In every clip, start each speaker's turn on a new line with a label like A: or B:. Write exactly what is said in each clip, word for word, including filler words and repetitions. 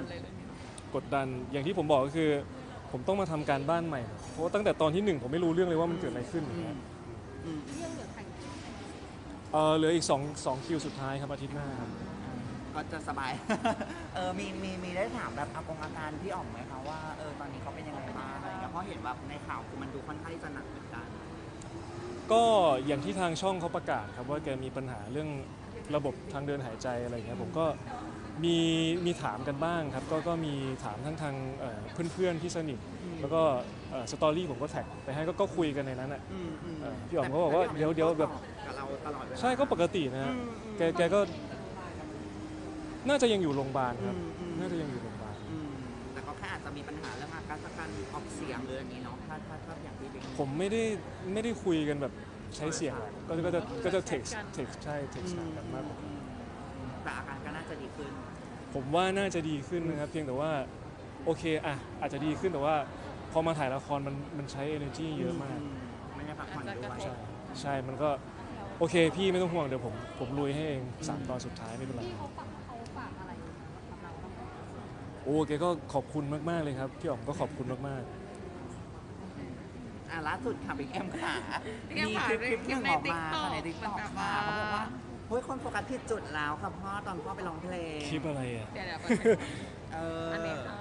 A: เลยเรื่องนี้
B: กดดันอย่างที่ผมบอกก็คือผมต้องมาทำการบ้านใหม่เพราะตั้งแต่ตอนที่หนึ่งผมไม่รู้เรื่องเลยว่ามันเกิดอะไรขึ้นอย่างเงี้ย
C: เรื่องเหลือใคร
B: เออเหลืออีกสองสองคิวสุดท้ายครับอาทิตย์หน้าครับ
D: ก็จะสบาย เออมีมีมีได้ถามแบบอากงอาการพี่อ๋อมไหมคะว่าเออตอนนี้เขาเป็นยังไงบ้างอะไรเงี้ยเพราะเห็นว่าในข่าวคือมันดูค่อนข้างที่จะหนักเหมือนกัน
B: ก็อย่างที่ทางช่องเขาประกาศครับว่าแกมีปัญหาเรื่องระบบทางเดินหายใจอะไรเงี้ยผมก็มีมีถามกันบ้างครับก็ก็มีถามทั้งทางเพื่อนๆที่สนิทแล้วก็สตอรี่ผมก็แท็กไปให้ก็คุยกันในนั้นอ่ะพี่อ๋อมเขาบอกว่าเดี๋ยวเดี๋ยวแบบใช่ก็ปกตินะแกแกก็น่าจะยังอยู่โรงพยาบาลครับน่าจะยังอยู่โรงพยาบาล
D: แต่ก็แค่อาจจะมีปัญหาเรื่องอาการการออกเสียงหรืออย่างนี้เนาะถ้าถ้าถ้าอย่างที่
B: ผมไม่ได้ไม่ได้คุยกันแบบใช้เสียงก็ก็จะก็จะ text text ใช่ text กันมากกว่า
D: แต่อาการก็น่าจะดีขึ้น
B: ผมว่าน่าจะดีขึ้นนะครับเพียงแต่ว่าโอเคอ่ะอาจจะดีขึ้นแต่ว่าพอมาถ่ายละครมันมันใช้ energy เยอะมาก
D: ไม่ได้พักผ่อนด้วย
B: ใช่ใช่มันก็โอเคพี่ไม่ต้องห่วงเดี๋ยวผมผมลุยให้เองสามตอนสุดท้ายไม่เป็นไร
C: พี่เขาฝากเขาฝากอะไรกับเราบ้าง
B: โอ้แกก็ขอบคุณมากๆเลยครับพี่อ๋อมก็ขอบคุณมาก
D: ๆอ่ะล่าสุดค่ะบิ๊กแอมขามีคลิปคลิปหนึ่งออกมาในติ๊กต็อกค่ะเขาบอกว่าเฮ้ยคนโฟกัสผิดจุดแล้วครับพ่อตอนพ่อไปร้องเพลง
B: คลิปอะไรอ่ะ
A: เดี๋ยวเดี๋ยว
D: เอออันนี้ค่ะ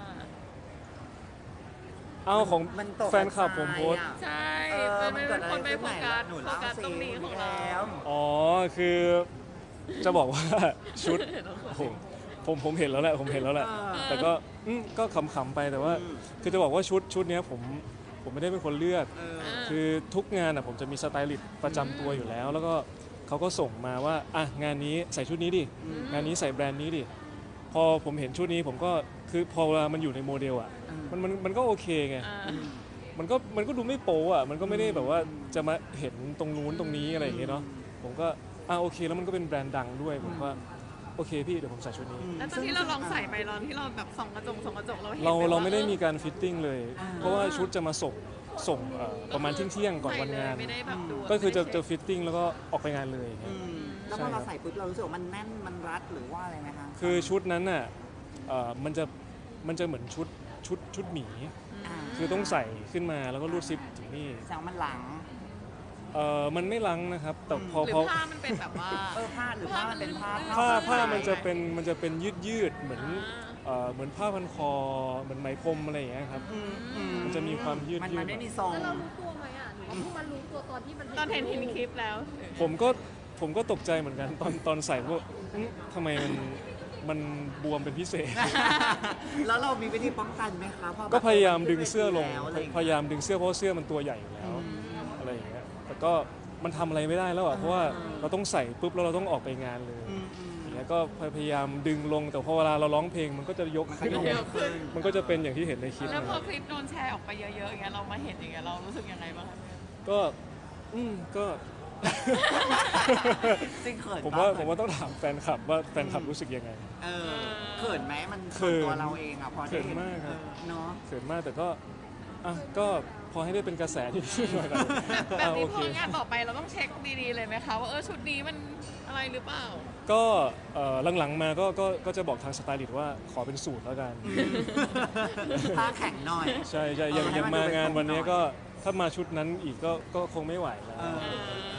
B: เอาของแฟนคลับผมโพส
A: ใช่ไม่เป็นคนไปโฟกัสโฟกัสตรงนี้ของเรา
B: อ๋อคือจะบอกว่าชุดผมผมเห็นแล้วแหละผมเห็นแล้วแหละแต่ก็ก็ขำๆไปแต่ว่าคือจะบอกว่าชุดชุดนี้ผมผมไม่ได้เป็นคนเลือกคือทุกงานอ่ะผมจะมีสไตลิสต์ประจำตัวอยู่แล้วแล้วก็เขาก็ส่งมาว่าอ่ะงานนี้ใส่ชุดนี้ดิงานนี้ใส่แบรนด์นี้ดิพอผมเห็นชุดนี้ผมก็คือพอเวลามันอยู่ในโมเดลอ่ะมันมันมันก็โอเคไงมันก็มันก็ดูไม่โป๊อ่ะมันก็ไม่ได้แบบว่าจะมาเห็นตรงนู้นตรงนี้อะไรอย่างเงี้ยเนาะผมก็อ่ะโอเคแล้วมันก็เป็นแบรนด์ดังด้วยผมก็โอเคพี่เดี๋ยวผมใส่ชุดนี้
A: แล้วตอนที่เราลองใส่ไปตอนที่เราแบบส่องกระจกส่องกระจกเราเห็น
B: เราเราไม่ได้มีการฟิตติ้งเลยเพราะว่าชุดจะมาส่งส่งประมาณเที่ยงก่อนวันงานก็คือจะจะฟิตติ้งแล้วก็ออกไปงานเลย
D: แล้วพอเราใส่ปุ๊บเรารู้สึกว่ามันแน่นมันรัดหรือว่าอะไรไหมคะ
B: คือชุดนั้นน่ะมันจะมันจะเหมือนชุดชุดชุดหมีคือต้องใส่ขึ้นมาแล้วก็รูดซิปถึงนี่
D: แสงมันหลัง
B: เออมันไม่ลังนะครับแต่พอ
A: พอผ้ามันเป็นแบบว่า
D: เออผ้าหรือผ้ามันเป็นผ้า
B: ผ้าผ้ามันจะเป็นมันจะเป็นยืดยืดเหมือนเอ่อเหมือนผ้าพันคอเหมือนไหมพรมอะไรอย่างเงี้ยครับมันจะมีความยืดยืด
D: มันไม่มีทรง
C: แล้วเรารู้ตัวไหมอ่ะหรือว่าเพิ่งมารู้ตัวตอนที่มัน
A: ตอนเห็นเห็นคลิปแล้ว
B: ผมก็ผมก็ตกใจเหมือนกันตอนตอนใส่ว่าทำไมมันมันบวมเป็นพิเศษ
D: แล้วเรามีวิธีป้องกันไหมคะ
B: ก็พยายามดึงเสื้อลงพยายามดึงเสื้อเพราะเสื้อมันตัวใหญ่อยู่แล้วอะไรอย่างเงี้ยแต่ก็มันทำอะไรไม่ได้แล้วอ่ะเพราะว่าเราต้องใส่ปุ๊บแล้วเราต้องออกไปงานเลยอย่างเงี้ยก็พยายามดึงลงแต่พอเวลาเราร้องเพลงมันก็จะยกขึ้นมันก็จะเป็นอย่างที่เห็นในคลิป
A: แล้วพอคลิปโดนแชร์ออกไปเยอะๆอย่างเงี้ยเรามาเห็นอย่างเงี้ยเรารู้สึกยังไงบ้าง
B: ก็อืมก็
D: จริงเขิน
B: ผมว่าผมว่าต้องถามแฟนคลับว่าแฟนคลับรู้สึกยังไง
D: เออเขินไหมมันตัวเราเองอ่ะพอได้
B: เขินมากครับ
D: เนาะ
B: เขินมากแต่ก็อ่ะก็พอให้ได้เป็นกระแสที่ชื่อหน่อย
A: แบบนี้พองานต่อไปเราต้องเช็คดีๆเลยไหมคะว่าเออชุดนี้มันอะไรหรือเปล่า
B: ก็หลังๆมาก็ก็ก็จะบอกทางสไตลิสต์ว่าขอเป็นสูตรแล้วกัน
D: ผ้าแข็งหน่อย
B: ใช่ใช่ยังยังมางานวันนี้ก็ถ้ามาชุดนั้นอีกก็ก็คงไม่ไหวแล้ว